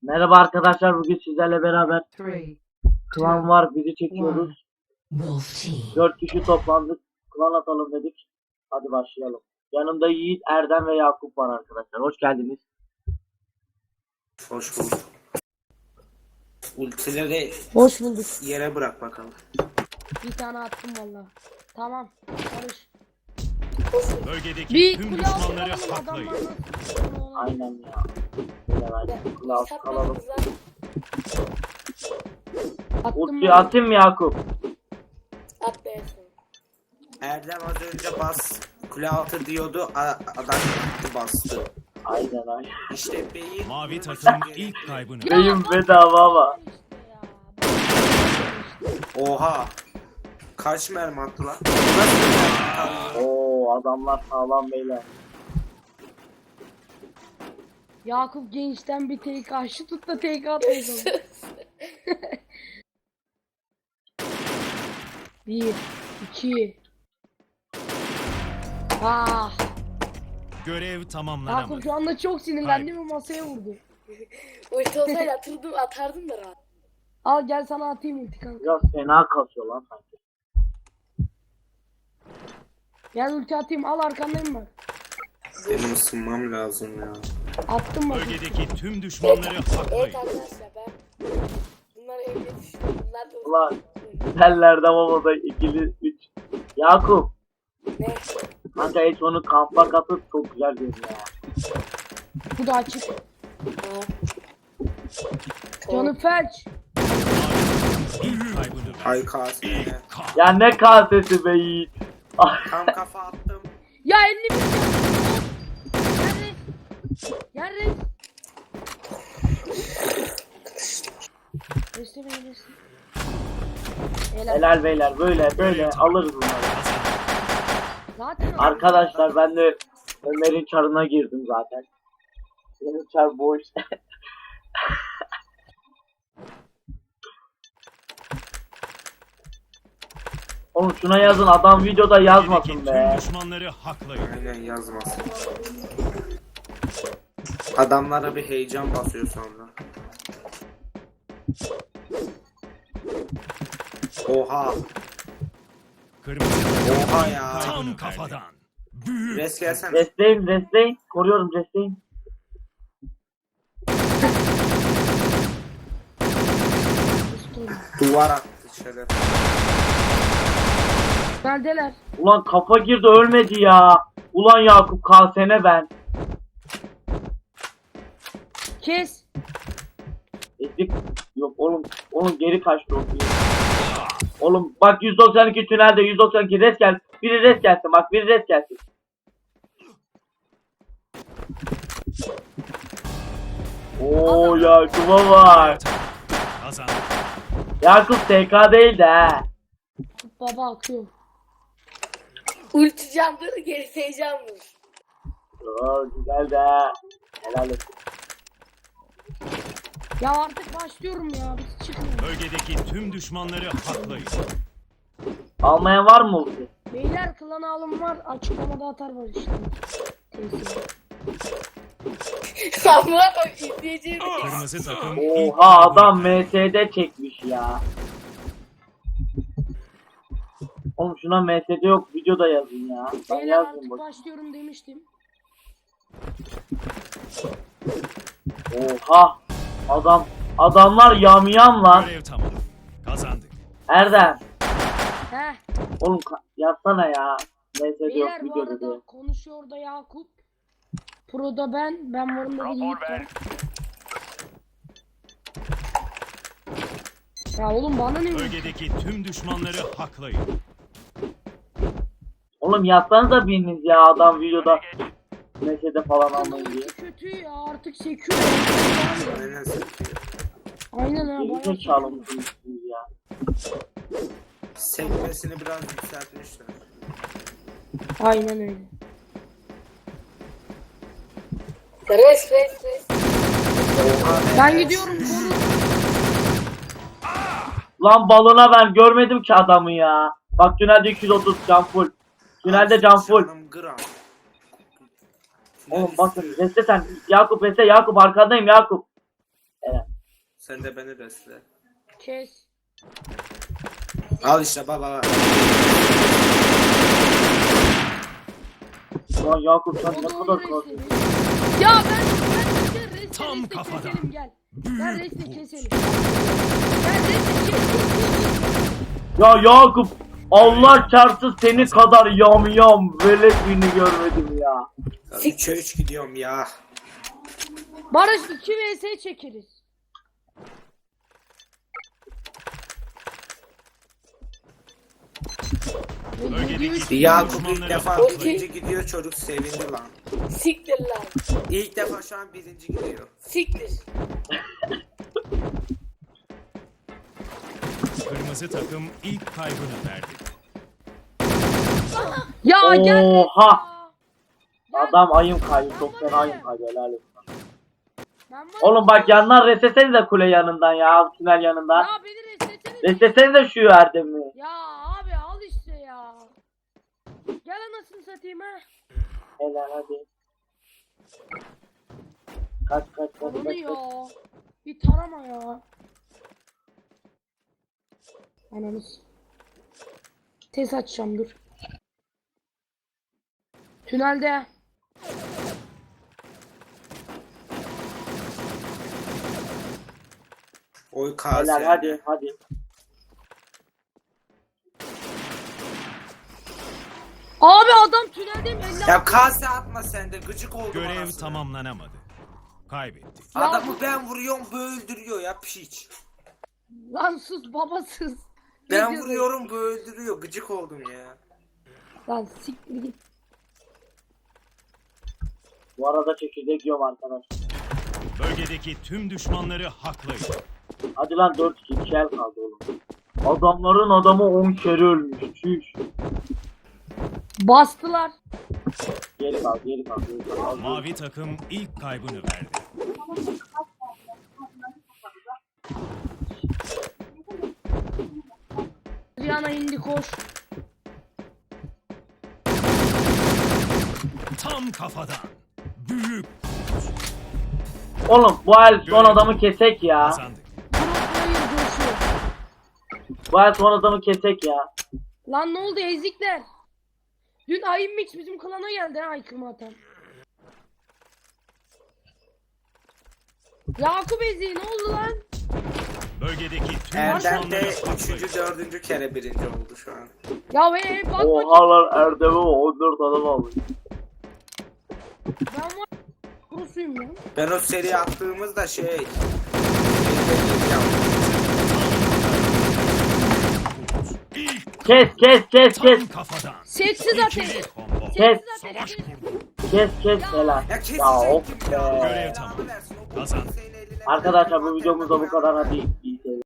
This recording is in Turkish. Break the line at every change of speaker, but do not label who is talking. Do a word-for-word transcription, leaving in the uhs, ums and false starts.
Merhaba arkadaşlar, bugün sizlerle beraber klan var, bizi çekiyoruz. Dört kişi toplandık, klan atalım dedik. Hadi başlayalım. Yanımda Yiğit, Erdem ve Yakup var arkadaşlar. Hoş geldiniz.
Hoş bulduk. Ultileri
Hoş bulduk.
yere bırak bakalım.
Bir tane attım valla. Tamam. Barış.
Bölgedeki
Bir
tüm
kule
düşmanları
alalım,
haklayın.
adamlar nasıl-
Aynen ya. Böyle ben klan alalım.
Attım
Ultiyi
mı?
atayım mı Yakup?
At beğensin.
Erdem az önce bas kule altı diyordu, a- adam gitti bastı.
Aynen aynen.
İşte beyin.
Mavi takım ilk kaybını.
Ya,
Beyim
bak-
bedava ama.
işte ya.
Oha. Kaç mermi attı lan? Nasıl bir mermi attı?
Oo, adamlar sağlam beyler.
Yakup gençten bir tek aşı tut da tek atmayalım. Bir, iki. Ah,
Görev
Yakup
tamamlanamadı.
şu anda çok sinirlendi ve masaya vurdu.
Ulti olsaydı atırdım, atardım da rahat.
Al gel sana atayım ulti kanka.
Biraz fena kasıyor lan sanki.
Gel ulti atayım, al arkandayım ben.
Benim ısınmam lazım ya.
Attım bak.
Bölgedeki tüm düşmanları
Evet
haklayın.
arkadaşlar ben bunlar evde düştüm. Bunlar da
Ulan tellerde babada ikili üç. Yakup.
ne?
Kanka hiç onu kampa katıp çok güzel görünüyor ya.
Bu da açık.
Ha.
Canı felç.
İlk kaybını ver.
Ay kaseye.
Ya ne kasesi be Yiğit. Ah,
Tam kafa attım.
Ya elli bin. Gel reis. Gel reis. Reste beni reste. Helal.
helal beyler, böyle böyle alırız bunları.
Zaten
Arkadaşlar ben de Ömer'in çarına girdim zaten. Benim çar boş. Oğlum şuna yazın, adam videoda yazmasın
Bölgedeki
be.
tüm düşmanları haklayın.
Aynen yazmasın. Adamlara bir heyecan basıyor sonra. Oha.
Kırmızı
Oha ya.
tam kafadan. Büyük.
Res gelsene.
Restleyin, restleyin. Koruyorum, restleyin.
Duvar attı şeref.
Neredeler?
Ulan kafa girdi, ölmedi ya. Ulan Yakup, kalsene ben.
Kes.
Ezik. Yok oğlum, oğlum geri kaçtı o film. Oğlum bak yüz doksan iki tünelde, yüz doksan iki res gel. Biri res gelsin, bak biri res gelsin. Oo Yakup'a var.
Kazandı.
Yakup T K değil de he.
Baba akıyor.
Ulti candır, gerisi heyecandır.
Oo güzel de he. Helal olsun.
Ya artık başlıyorum ya. Biz çıkmıyoruz.
Bölgedeki tüm düşmanları haklayın.
Almayan var mı ulti?
Beyler klan alım var. Açıklamada atar var işte. Tesiri.
Samura bak izleyeceğim.
Kırmızı takım ilk
Oha
kaybını
adam
ver.
M S D çekmiş ya. Oğlum şuna M S D yok, videoda yazın ya. Ben
Beyler
yazdım
artık
bak.
başlıyorum demiştim.
Oha adam adamlar yamyam lan.
Görev tamam. Kazandık.
Erdem
Heh.
oğlum ka- yazsana ya. M S D yok
Beyler bu
videoda
arada
diye.
konuşuyor da Yakup. Pro'da ben. Ben varım da bir Yiğit var. Ya oğlum bana ne?
Bölgedeki tüm düşmanları haklayın.
Oğlum yazsanıza biriniz ya, adam videoda M S D falan almayın diye.
Ulti kötü ya artık sekiyor.
Aynen sekiyor.
Aynen ha.
Geri
bayağı
zekalı mısınız siz ya?
Sekmesini biraz yükseltmişler.
Aynen öyle.
Res res res.
Oha be.
Ben gidiyorum koru.
Lan balona ben görmedim ki adamı ya. Bak tünelde iki yüz otuz can full. Tünelde can full.
Canım gram.
Oğlum bakın reste sen. Yakup reste, Yakup arkandayım Yakup. Evet.
Sen de beni resle.
Kes.
Al işte baba.
Ulan Yakup sen
O
ne
da
kadar
onu
korkuyorsun.
reslemiş. Ya ben ben resle resle
Tam
resle
kafadan.
keselim gel. Gel resle
Büyük
keselim. Gel resle kes kes kes.
Ya Yakup Allah çarpsın seni kadar yam yam velet birini görmedim ya.
üçe üç gidiyorum ya.
Barış iki vs çekeriz.
Bölgedeki tüm
Yakup ilk
düşmanları
defa
haklayın.
birinci gidiyor, çocuk sevindi lan.
Siktir lan.
İlk defa şu an birinci gidiyor.
Siktir.
Kırmızı takım ilk kaybını verdi.
Ya gel.
Oha.
Gel.
Adam ayım kaydı. Çok fena ayım kaydı. Helal olsun.
Ben varım.
Oğlum bak yandan reslesenize kule yanından ya. Tünel yanından.
Ya beni resletsene.
Reslesenize şu Erdem'i.
Ya abi al işte ya. Gel anasını satayım ha.
Helal hadi. Kaç kaç kaç
Ananı
kaç.
ya.
kaç.
Bir tarama ya. Ananız. Tez açacağım dur. Tünelde.
Oy kaz
Helal
yani.
hadi hadi.
Abi adam tüneldeyim elli.
Ya kase atma sen de, gıcık oldum
Görev
anasını.
tamamlanamadı. Kaybettik.
Adamı ben vuruyorum, bu öldürüyor ya piç.
Lan sus babasız. Ne
Ben
diyorsun?
vuruyorum, bu öldürüyor, gıcık oldum ya.
Lan siktir git.
Bu arada çekirdek yiyorum arkadaşlar.
Bölgedeki tüm düşmanları haklayın.
Hadi lan dört iki iki el kaldı oğlum. Adamların adamı on kere ölmüş. Çüş.
Bastılar.
Geri kal geri kal geri kal.
Mavi takım ilk kaybını verdi.
Rihanna indi koş.
Tam kafadan. Büyük
Oğlum bu el son adamı kesek ya.
kazandık.
Hayır coşuyor.
Bu el son adamı kesek ya.
Lan ne oldu ezikler? Dün Ayın Mix bizim klana geldi ha aykırma atan. Yakup eziği ne oldu lan?
Bölgedeki tüm
Erdem
düşmanları
de
haklayın.
üçüncü, dördüncü kere birinci oldu şu an.
Ya ve bak bakayım
Oha lan Erdem'e on dört adam almış.
ben var kurusuyum ya.
Ben o seri attığımızda şey...
İlk
Kes kes kes kes.
tam kafadan.
Sessiz ateş.
İkili combo.
Kes
Savaş kurdu.
kes kes helal.
Ya kesecek
Ya of
kim ya?
be.
Görev tamam.
Belanı versin, o
Kazan.
bombayı eline-
Arkadaşlar bu videomuz da bu kadar hadi.